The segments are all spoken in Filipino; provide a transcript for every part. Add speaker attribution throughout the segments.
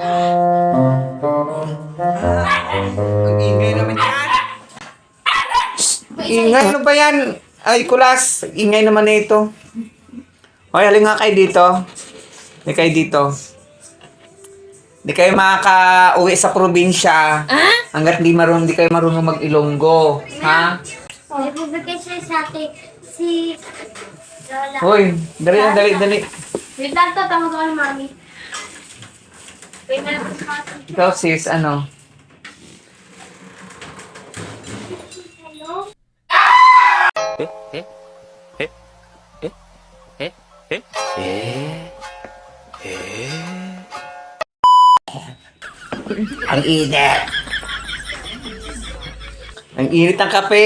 Speaker 1: Ang ingay naman yan. Ingay, ano ba yan? Ay, kulas. Ingay naman na ito. Hoy, halin nga kayo dito. Halin kayo dito. Di kayo makaka-uwi sa probinsya. Hanggat di kayo marunong mag-Ilonggo. Ha?
Speaker 2: Nagbibigay siya sa akin si Lola.
Speaker 1: Hoy, dali.
Speaker 2: Wait lang to, tawag ako ng mami. Wait na lang po sa akin.
Speaker 1: Ikaw sis, ano?
Speaker 2: Hello?
Speaker 1: Ang init. Ang init ng kape.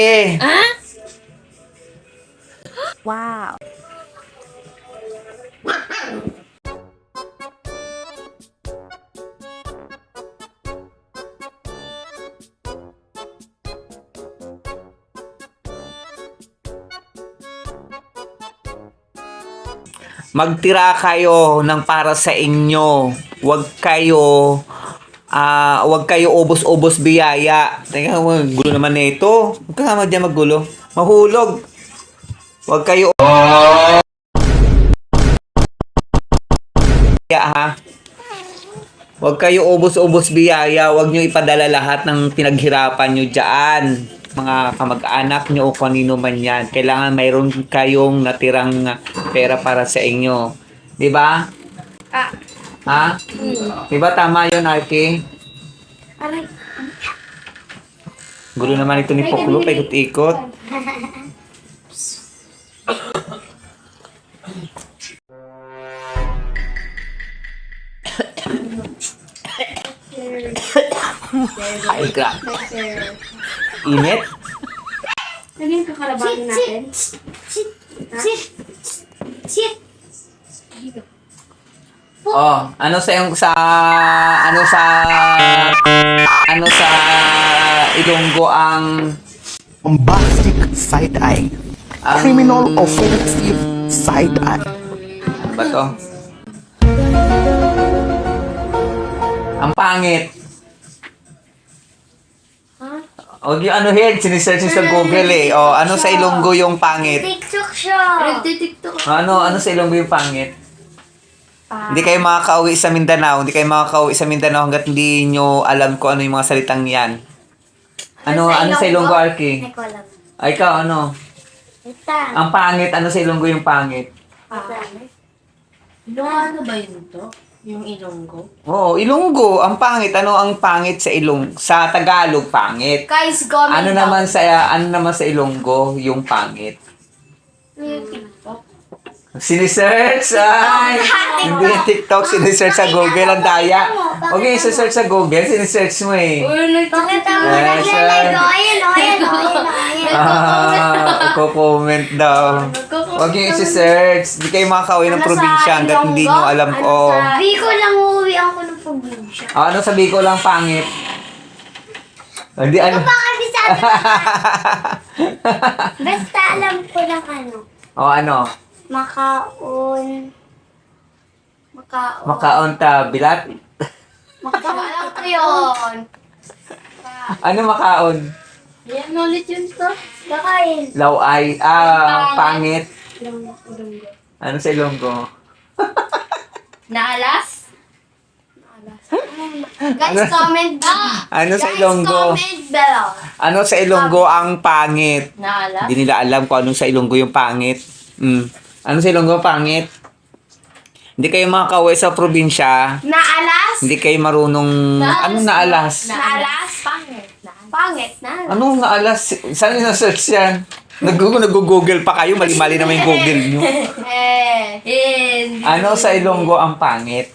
Speaker 3: Wow.
Speaker 1: Magtira kayo ng para sa inyo. Huwag kayo ubos-ubos biyaya. Teka, gulo naman na ito. Huwag ka naman dyan maggulo. Mahulog. Huwag kayo ha. Huwag kayo ubos-ubos biyaya. Huwag nyo ipadala lahat ng pinaghirapan nyo dyan. Mga kamag-anak nyo o kanino man yan. Kailangan mayroon kayong natirang pera para sa inyo. Di ba? Ha? Di ba tama yun, Arky?
Speaker 2: Aray.
Speaker 1: Gulo naman ito ni Poklo, paikot-ikot. Ay, crap. Init?
Speaker 2: Lagyan ka kalabanin natin. Sit.
Speaker 1: Oh, ano sa Ilonggo ang
Speaker 4: Bombastic side-eye. Criminal offensive side-eye.
Speaker 1: ano ba to? Ang pangit. O, yung ano hin, sinisearch sa Google eh. O, ano sa Ilonggo yung pangit?
Speaker 2: TikTok siya. Nagtitiktok.
Speaker 1: Ano sa Ilonggo yung pangit? Hindi kayo makakauwi sa Mindanao. Hindi kayo makakauwi sa Mindanao hanggat hindi nyo alam kung ano yung mga salitang yan. Ano sa Ilonggo, Arky?
Speaker 2: Ay, ko alam.
Speaker 1: Ay, ikaw, ano?
Speaker 2: Ita.
Speaker 1: Ang pangit, ano sa Ilonggo yung pangit?
Speaker 3: Ano ba yun to? Yung Ilonggo?
Speaker 1: Oo, Ilonggo, ang pangit. Ano ang pangit sa sa Tagalog, pangit.
Speaker 2: Guys, comment
Speaker 1: Ano naman sa Ilonggo yung pangit?
Speaker 2: Yung TikTok.
Speaker 1: Sinisearch! Ay! Hindi yung TikTok, sinisearch sa Google. Ang daya. Okay, search sa Google, sinisearch mo eh.
Speaker 2: Pakita mo
Speaker 1: Yes,
Speaker 2: naglalay
Speaker 1: sir.
Speaker 2: ko. Ayan.
Speaker 1: Comment daw. Huwag yung isi-search. Hindi kayo makakauwi ng probinsya hanggat hindi nyo alam ko.
Speaker 2: Biko lang uuwi ako ng probinsya.
Speaker 1: Ano sabi ko lang pangit? Hindi ano.
Speaker 2: Bakit sabi ko? Basta alam ko lang ano.
Speaker 1: Ano?
Speaker 2: Makaon.
Speaker 1: Makaon ta bilat?
Speaker 2: Alam ko yun.
Speaker 1: Ano makaon?
Speaker 3: Yan ulit yun to.
Speaker 2: Kakain.
Speaker 1: Laway. Pangit. Ano sa Ilonggo?
Speaker 3: Naalas?
Speaker 2: Guys, comment below.
Speaker 1: Ano sa
Speaker 2: Guys,
Speaker 1: Ilonggo?
Speaker 2: comment below.
Speaker 1: Ano sa Ilonggo ang pangit?
Speaker 3: Naalas?
Speaker 1: Hindi nila alam kung anong sa Ilonggo yung pangit. Ano sa Ilonggo pangit? Hindi kayo makakauwi sa probinsya.
Speaker 2: Naalas?
Speaker 1: Hindi kayo marunong... Anong naalas?
Speaker 2: Naalas?
Speaker 3: Pangit.
Speaker 2: Pangit na.
Speaker 1: Anong naalas? Saan yung search yan? Nag-google pa kayo. Mali-mali naman yung Google nyo. Ano sa Ilonggo ang pangit?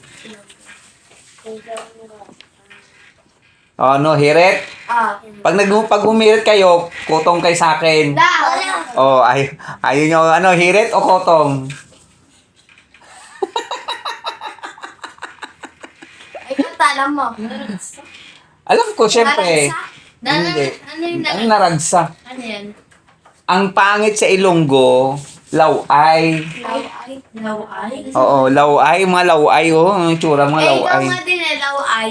Speaker 1: Ano, hirit? Pag humirit kayo, kutong kayo sa akin. Ayaw nyo, hirit o kotong?
Speaker 2: Alam mo.
Speaker 1: Alam ko, syempre. Hindi.
Speaker 3: Ano yung
Speaker 1: Ang naragsa.
Speaker 3: Ano yan?
Speaker 1: Ang pangit sa Ilonggo, laway.
Speaker 3: Laway?
Speaker 1: Oo, laway. Mga laway, oh. Ang tsura mga
Speaker 2: Eh, ikaw
Speaker 1: laway.
Speaker 2: nga din eh, laway.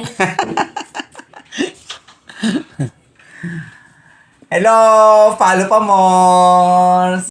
Speaker 1: Hello! Follow pa more!